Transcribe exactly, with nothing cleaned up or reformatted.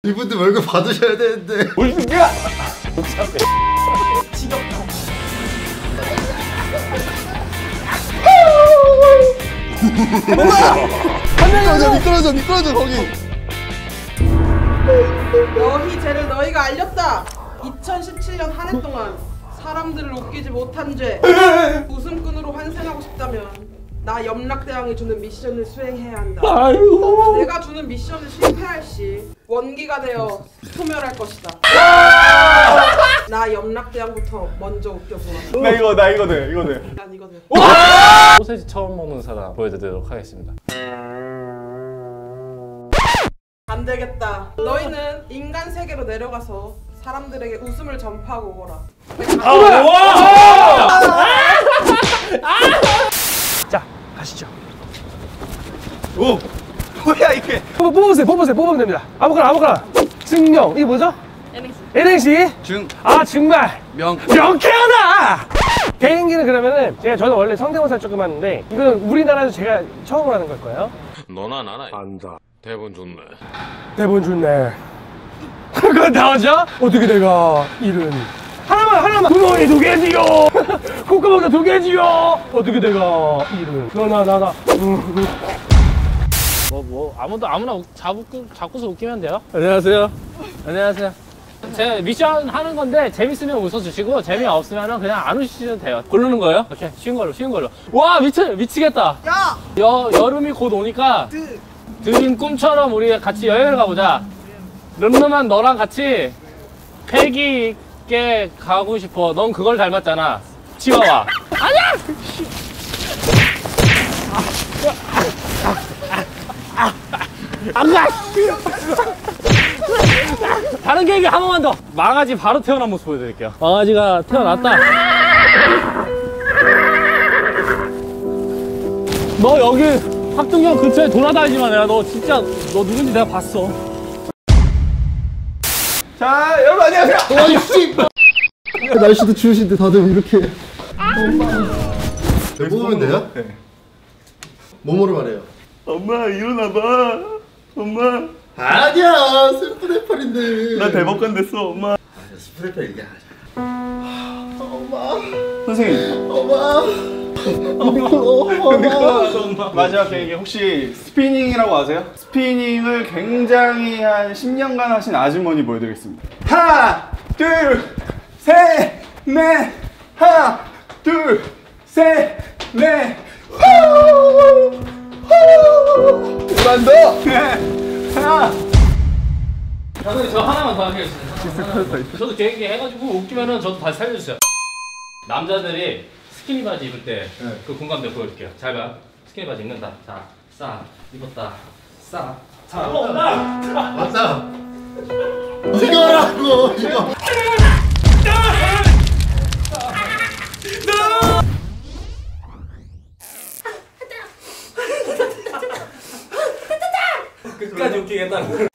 이분들 월급 받으셔야 되는데. 뭘 준비야? 지겹다. 한 명이 미끄러져 미끄러져 거기. 너희 죄를 너희가 알렸다. 이천십칠 년 한 해 동안 사람들을 웃기지 못한 죄, 웃음꾼으로 환생하고 싶다면 나 염락대왕이 주는 미션을 수행해야 한다. 아이고. 내가 주는 미션을 실패할 시 원기가 되어 소멸할 것이다. 나 염락대왕부터 먼저 웃겨보라. 나 이거 나 이거 돼 이거 돼. 난 이거 돼. 소세지 처음 먹는 사람 보여드리도록 하겠습니다. 안 되겠다. 너희는 인간 세계로 내려가서 사람들에게 웃음을 전파하고 오거라. 아, 와! 자, 가시죠. 오, 뭐야 이게? 뽑, 뽑으세요, 뽑으세요, 뽑으면 됩니다. 아무거나, 아무거나. 증명, 이게 뭐죠? 엔엑스. 엔엑스? 중. 아, 정말. 명. 명쾌하다! 개인기는 그러면은, 제가 저는 원래 성대모사 조금 하는데, 이거는 우리나라에서 제가 처음으로 하는 걸 거예요. 너나 나나 안다. 대본 좋네. 대본 좋네. 그건 나오죠? 어떻게 내가 일은 하나만 하나만 구멍이 두 개지요. 콧구멍도 두 개지요. 어떻게 내가 일은 너나 나나 뭐 뭐 아무도 아무나 웃- 잡고 잡고서 웃기면 돼요. 안녕하세요. 안녕하세요. 제 미션 하는 건데 재밌으면 웃어주시고 재미없으면 그냥 안 웃으시면 돼요. 고르는 거예요? 오케이, 쉬운 걸로 쉬운 걸로. 와 미치 미치겠다. 야! 여 여름이 곧 오니까 드. 드림 꿈처럼 우리 같이 여행을 가보자. 름름한 너랑 같이 패기 있게 가고 싶어. 넌 그걸 닮았잖아. 치와와. 아니야! 안 가! 다른 계획이 한 번만 더. 망아지 바로 태어난 모습 보여드릴게요. 망아지가 태어났다. 너 여기 합동경 근처에 돌아다니지 마. 내가 너 진짜 너 누군지 내가 봤어. 자, 여러분 안녕하세요. 아이씨. 날씨도 추우신데 다들 이렇게. 배 뽑으면 돼요? 네. 뭐뭐를 말해요? 엄마 일어나봐. 엄마. 아니야 스프레팔인데. 나 대법관 됐어, 엄마. 스프레팔 얘기하자. 엄마. 선생님. 엄마. 엄마. 마지막 계획이 혹시 스피닝이라고 아세요? 스피닝을 굉장히 한 십 년간 하신 아주머니 보여드리겠습니다. 하나, 둘, 셋, 넷. 하나, 둘, 셋, 넷. 그만 더. 네. 하나. 감독님 저 하나만 더 하겠습니다. 저도 개인기 해가지고 웃기면은 저도 다시 살려주세요. 남자들이 스키니 바지 입을 때 그 공감대 보여줄게요. 잘 봐. 스키니 바지 입는다. 자, 싸 입었다. 싸. 자, 온다. 맞다. 이거라고 이거. 끝까지 웃기겠다는 걸.